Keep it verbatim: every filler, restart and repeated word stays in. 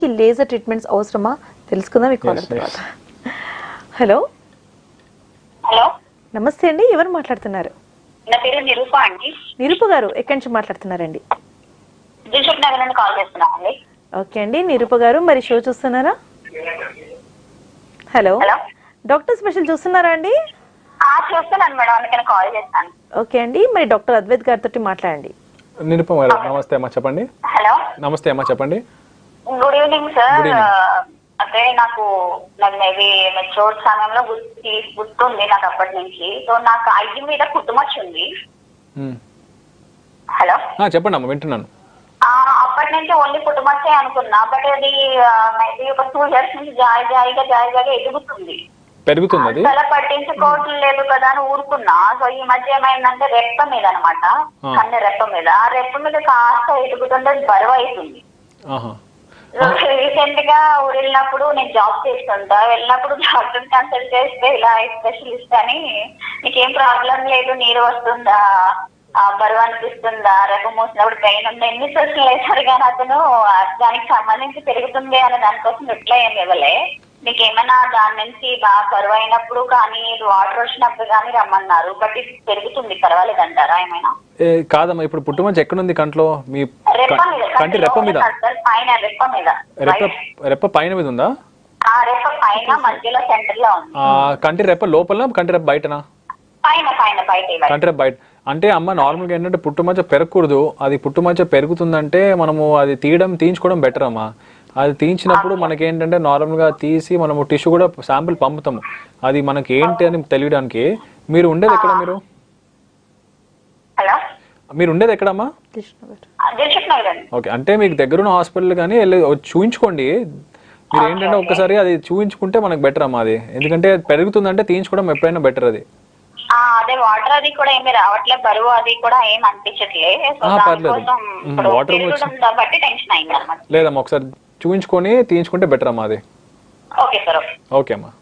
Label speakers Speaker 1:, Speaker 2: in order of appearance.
Speaker 1: ఈ laser treatments అవసరమా తెలుసుకుందాం ఈ కాలర్ తర్వాత. హలో
Speaker 2: హలో
Speaker 1: నమస్తే అండి, ఎవరు మాట్లాడుతున్నారు?
Speaker 2: నా పేరు నిరూప అండి.
Speaker 1: నిరూప గారు ఎక్కడి నుంచి మాట్లాడుతున్నారండి?
Speaker 2: దిల్సుఖ్ నగర్ నుండి కాల్ చేస్తున్నామండి.
Speaker 1: ఓకే అండి నిరూప గారు, మరి షో చూస్తున్నారా? హలో
Speaker 2: హలో
Speaker 1: డాక్టర్ స్పెషల్ చూస్తున్నారా అండి?
Speaker 2: ఆ చూస్తున్నాను మేడం, అందుకని కాల్ చేస్తాను.
Speaker 1: ఓకే అండి, మరి డాక్టర్ అద్వైత్ గారితో మాట్లాడండి.
Speaker 3: నిరుపమ గారు నమస్తే అమ్మా, చెప్పండి.
Speaker 2: హలో
Speaker 3: నమస్తే అమ్మా, చెప్పండి.
Speaker 2: Good evening sir.
Speaker 3: Good evening.
Speaker 2: అంటే నాకు నాకు మేబీ మెచ్యూర్ సమయంలో గుర్తు గుర్తుంది నాకు అప్పటి నుంచి. సో నాకు ఐదు మీద కుటుంబచ్చు ఉంది.
Speaker 3: మ్మ్.
Speaker 2: హలో
Speaker 3: ఆ, చెప్పండి అమ్మా, వింటున్నాను.
Speaker 2: ఆ, అప్పటి నుంచి ఓన్లీ కుటుంబచ్చే అనుకున్నా, బట్ అది మేబీ ఒక టూ ఇయర్స్ నుంచి జాయి జాయిగా జాయి జాయిగా ఎదుగుతుంది.
Speaker 3: పెరుగుతుంది అది?
Speaker 2: అలా పట్టించుకోవటం లేదు కదా అని ఊరుకున్నా. సో ఈ మధ్య ఏమైందంటే రెప్ప మీద అనమాట, కన్ను రెప్ప మీద, ఆ రెప్ప మీద కాస్త ఎదుగుతుంటే బరువు అవుతుంది.
Speaker 3: ఆహా.
Speaker 2: రీసెంట్ గా ఊరు వెళ్ళినప్పుడు నేను జాబ్ చేస్తుంటా, వెళ్ళినప్పుడు డాక్టర్ కన్సల్ట్ చేస్తే ఇలా స్పెషలిస్ట్ అని నీకేం ప్రాబ్లం లేదు, నీరు వస్తుందా, ఆ బరువు అనిపిస్తుందా, రెప్ప మూసినప్పుడు పెయిన్ ఉందా, ఎన్ని ప్రశ్నలు వేశారు కానీ అతను దానికి సంబంధించి పెరుగుతుంది అనే దానికోసం రిప్లై ఏం ఇవ్వలే. మీకు ఏమైనా దాని నుంచి బాగా బరువు అయినప్పుడు కానీ వాటర్ వచ్చినప్పుడు కానీ రమ్మన్నారు, బట్ ఇది పెరుగుతుంది, పర్వాలేదంటారా ఏమైనా?
Speaker 3: ఏ కాదమ్మా, ఇప్పుడు పుట్టుమంచి ఎక్కడుంది కంట్లో? మీ
Speaker 2: రెప్ప మీద,
Speaker 3: కంటి రెప్ప మీద?
Speaker 2: పైన రెప్ప మీద.
Speaker 3: రెప్ప రెప్ప పైన మీద ఉందా?
Speaker 2: ఆ రెప్ప పైన మధ్యలో సెంటర్ లో ఉంది.
Speaker 3: ఆ, కంటి రెప్ప లోపల, కంటి రెప్ప బయటనా?
Speaker 2: పైన పైన బయట.
Speaker 3: కంటి రెప్ప బయట అంటే అమ్మ నార్మల్గా ఏంటంటే పుట్టుమచ్చ పెరగకూడదు. అది పుట్టుమచ్చ పెరుగుతుందంటే మనము అది తీయడం తీయించుకోవడం బెటర్ అమ్మా. అది తీయించినప్పుడు మనకి ఏంటంటే నార్మల్గా తీసి మనము టిష్యూ కూడా శాంపిల్ పంపుతాము, అది మనకి ఏంటి అని తెలియడానికి. మీరు ఉండేది ఎక్కడ? మీరు
Speaker 2: హలో
Speaker 3: మీరు ఉండేది ఎక్కడమ్మా?
Speaker 2: దిల్సుఖ్ నగర్ అండి.
Speaker 3: ఓకే, అంటే మీకు దగ్గరున్న హాస్పిటల్ కానీ వెళ్ళి చూయించుకోండి. మీరు ఏంటంటే ఒక్కసారి అది చూయించుకుంటే మనకు బెటర్ అమ్మా అది, ఎందుకంటే పెరుగుతుందంటే తీయించుకోవడం ఎప్పుడైనా బెటర్ అది.
Speaker 2: అదే వాటర్ అది కూడా ఏమి రావట్లేదు, బరువు అది కూడా ఏం అనిపించట్లేదు. బట్టి టెన్షన్ అయింది అనమాట.
Speaker 3: లేదమ్మా, ఒకసారి చూయించుకొని తీయించుకుంటే బెటర్ అమ్మా అది.
Speaker 2: Okay sir.
Speaker 3: ఓకే అమ్మా.